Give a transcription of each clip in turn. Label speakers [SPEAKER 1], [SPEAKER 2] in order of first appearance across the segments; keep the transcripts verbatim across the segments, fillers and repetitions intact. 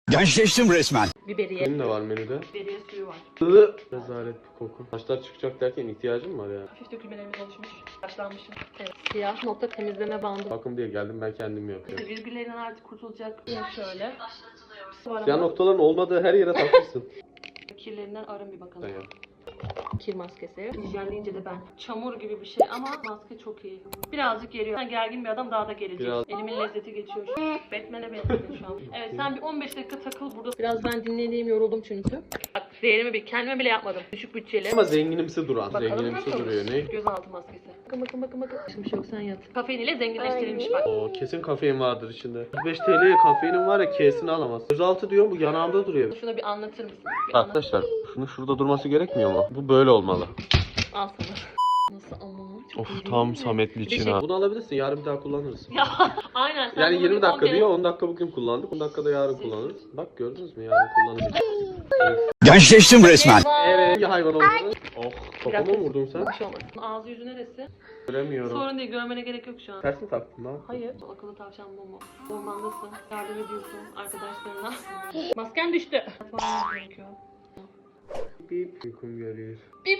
[SPEAKER 1] Gençleştim resmen.
[SPEAKER 2] Biberiye.
[SPEAKER 3] Benim de var menüde.
[SPEAKER 2] Biberiye suyu var.
[SPEAKER 3] Rezalet bir koku. Saçlar çıkacak derken ihtiyacım var ya.
[SPEAKER 2] Hafif dökülmelerimiz oluşmuş. Başlanmışım. Evet. Siyah nokta temizleme bandı.
[SPEAKER 3] Bakım diye geldim, ben kendim yapıyorum.
[SPEAKER 2] İşte virgüllerinden artık kurtulacak. Şöyle.
[SPEAKER 3] Siyah noktaların olmadığı her yere takmışsın.
[SPEAKER 2] Kirlerinden arın bir bakalım.
[SPEAKER 3] Sen yap.
[SPEAKER 2] Kir maskesi. Hijyen deyince de ben. Çamur gibi bir şey ama maske çok iyi. Birazcık geriyor. Ben gergin bir adam daha da gelecek.
[SPEAKER 3] Biraz-
[SPEAKER 2] Elimin lezzeti geçiyor şu an. Batman'e benzedin şu an. Evet sen bir on beş dakika takıl burada. Biraz ben dinleneyim, yoruldum çünkü. Bak değerimi bir kendime bile yapmadım. Düşük bütçeli.
[SPEAKER 3] Ama zenginimsi duran.
[SPEAKER 2] Bakalım
[SPEAKER 3] Zenginimsi
[SPEAKER 2] nasıl?
[SPEAKER 3] duruyor. Ne?
[SPEAKER 2] Gözaltı maskesi. Bakın bakın bakın bakın. Hiçbir şey yok, sen yat. Kafein ile zenginleştirilmiş bak.
[SPEAKER 3] Oo, kesin kafein vardır içinde. yüz beş T L'ye kafeinin var ya, K'sini alamaz. Gözaltı diyor, bu yanağımda duruyor.
[SPEAKER 2] Şunu bir anlatır mısın? Bir anlat.
[SPEAKER 3] Arkadaşlar şunu şurada durması gerekmiyor mu? Bu böyle olmalı.
[SPEAKER 2] Al sana. Nasıl ama? Çok
[SPEAKER 3] Of
[SPEAKER 2] iyi değil
[SPEAKER 3] tam
[SPEAKER 2] mi?
[SPEAKER 3] Sametli
[SPEAKER 2] Bir
[SPEAKER 3] için
[SPEAKER 2] şey-
[SPEAKER 3] ha. Bunu alabilirsin, yarın bir daha kullanırsın.
[SPEAKER 2] Ya aynen. Sen
[SPEAKER 3] Yani
[SPEAKER 2] bunu
[SPEAKER 3] yirmi
[SPEAKER 2] bir
[SPEAKER 3] dakika
[SPEAKER 2] on kere-
[SPEAKER 3] diyor, on dakika bugün kullandık, on dakika da yarın kullanırız. Bak gördünüz mü, yarın kullanırız.
[SPEAKER 1] Gençleştim resmen.
[SPEAKER 3] Evet, hangi hayvan olduğunu? Oh,
[SPEAKER 2] Bir
[SPEAKER 3] kafama
[SPEAKER 2] dakika.
[SPEAKER 3] mı vurdun sen?
[SPEAKER 2] Bir şey olmaz. Ağzı yüzü neresi?
[SPEAKER 3] Göremiyorum.
[SPEAKER 2] Sorun değil, görmene gerek yok şu an.
[SPEAKER 3] Ters mi taktın lan?
[SPEAKER 2] Hayır. Akıllı tavşan Momo. Ormandasın. Yardım ediyorsun arkadaşlarına. Masken düştü. Yatmam gerekiyor.
[SPEAKER 3] Bip uykum geliyor.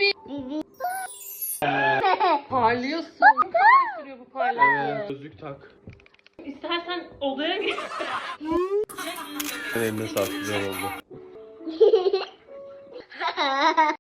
[SPEAKER 2] Parlıyorsun. Ne kadar sürüyor bu parlaklığı?
[SPEAKER 3] Evet, gözlük tak.
[SPEAKER 2] İstersen odaya git.
[SPEAKER 3] Eline sağlık, güzel oldu.